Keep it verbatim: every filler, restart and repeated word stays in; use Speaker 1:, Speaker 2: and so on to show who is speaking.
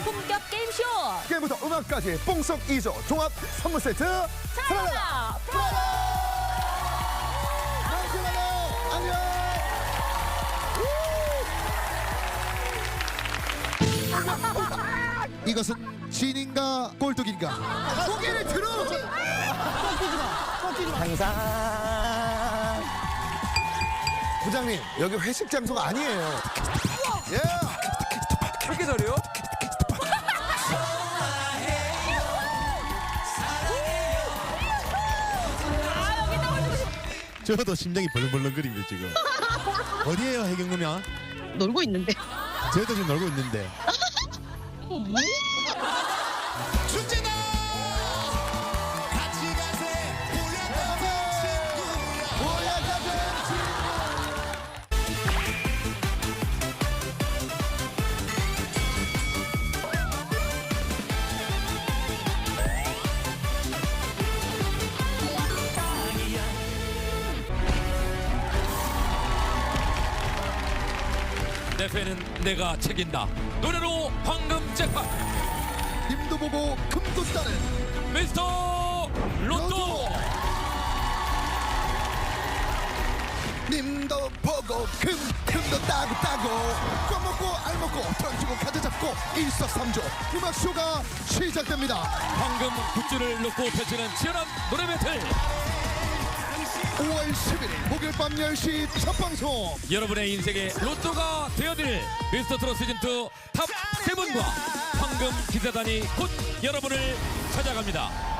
Speaker 1: 고품격 게임쇼
Speaker 2: 게임부터 음악까지 뽕석 이조 종합 선물 세트
Speaker 1: 사랑하다 프라다.
Speaker 2: 안녕. 이것은 진인가 꼴뚜기인가? 고개를 들어.
Speaker 3: 항상
Speaker 2: 부장님 여기 회식 장소가 아니에요. 예.
Speaker 4: 그렇게 잘해요?
Speaker 5: 저도 심장이 벌렁벌렁거립니다 지금. 어디에요 해경누나?
Speaker 6: 놀고 있는데.
Speaker 5: 저희도 지금 놀고 있는데.
Speaker 2: 춘진아 같이 가세 보약하는 친구야 보약하는 친구야.
Speaker 4: 내 패는 내가 책임다. 노래로 황금 잭팟
Speaker 2: 님도 보고 금도 따는
Speaker 4: 미스터 로또.
Speaker 2: 님도 보고 금 금도 따고 따고 껌 먹고 알 먹고 던지고 카드 잡고 일석삼조 음악쇼가 시작됩니다.
Speaker 4: 황금 굿즈를 놓고 펼치는 치열한 노래 배틀.
Speaker 2: 오월 십일일 목요일 밤 열 시 첫 방송.
Speaker 4: 여러분의 인생의 로또가 되어드릴 미스터 트롯 시즌이 탑 세븐과 황금 기사단이 곧 여러분을 찾아갑니다.